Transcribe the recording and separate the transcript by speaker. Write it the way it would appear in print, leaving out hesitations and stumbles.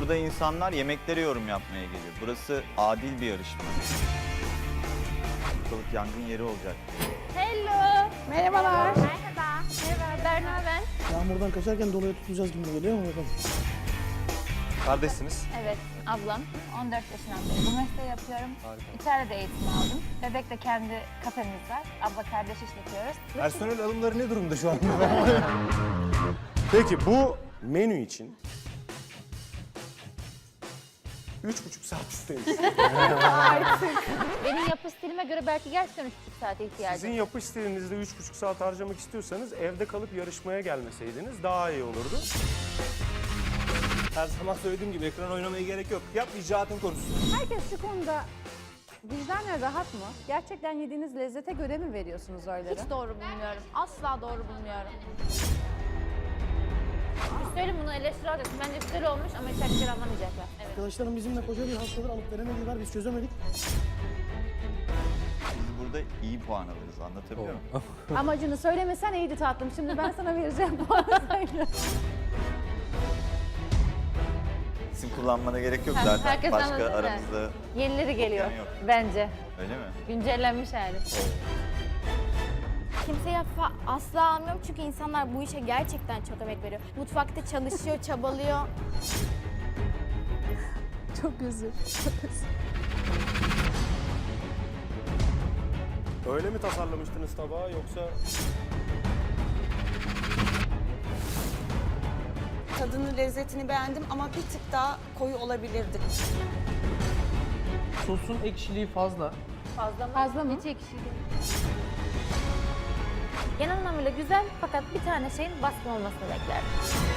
Speaker 1: Burada insanlar yemeklere yorum yapmaya geliyor. Burası adil bir yarışma. Ortalık yangın yeri olacak.
Speaker 2: Hello.
Speaker 3: Merhabalar.
Speaker 2: Merhaba. Merhaba, Berna ben.
Speaker 3: Yağmurdan kaçarken dolaya tutulacağız gibi geliyor mu bakalım?
Speaker 4: Kardeşsiniz.
Speaker 2: Evet, ablam. 14 yaşından beri bu mesleği yapıyorum. İçeride de eğitim aldım. Bebek'te kendi kafemiz var. Abla kardeş işletiyoruz.
Speaker 4: Personel alımları ne durumda şu anda? Peki bu menü için 3,5 saat istemiş.
Speaker 2: Benim yapı stilime göre belki gerçekten 3,5 saate ihtiyacım.
Speaker 4: Sizin yapış stilinizde 3,5 saat harcamak istiyorsanız evde kalıp yarışmaya gelmeseydiniz daha iyi olurdu. Her zaman söylediğim gibi ekran oynamaya gerek yok. Yap icraatın konuşsun.
Speaker 5: Herkes şu konuda vicdanen rahat mı? Gerçekten yediğiniz lezzete göre mi veriyorsunuz oyları?
Speaker 2: Hiç doğru bulmuyorum. Asla doğru bulmuyorum. Üstelik bunu eleştiri alacaksın. Bence güzel olmuş ama içerikleri anlamayacaklar. Evet.
Speaker 3: Arkadaşlarım bizimle koca bir hastadır alıp veremediler, biz çözemedik.
Speaker 1: Biz burada iyi puan alırız, anlatabiliyor muyum?
Speaker 5: Amacını söylemesen iyiydi tatlım. Şimdi ben sana vereceğim puanı söyle.
Speaker 1: İsim kullanmana gerek yok
Speaker 2: Ha,
Speaker 1: zaten.
Speaker 2: herkes
Speaker 1: Başka
Speaker 2: anladı da.
Speaker 1: aramızda
Speaker 2: Yenileri geliyor
Speaker 1: yok.
Speaker 2: bence.
Speaker 1: öyle mi?
Speaker 2: Güncellenmiş hali.
Speaker 6: Kimseye asla almıyorum çünkü insanlar bu işe gerçekten çok emek veriyor. Mutfakta çalışıyor, çabalıyor.
Speaker 5: Çok özür.
Speaker 4: Öyle mi tasarlamıştınız tabağı yoksa
Speaker 7: Tadını, lezzetini beğendim ama bir tık daha koyu olabilirdi.
Speaker 8: Sosun ekşiliği fazla.
Speaker 2: Fazla mı? Hiç ekşi değil. Genel anlamıyla güzel fakat bir tane şeyin baskın olmasını beklerdim.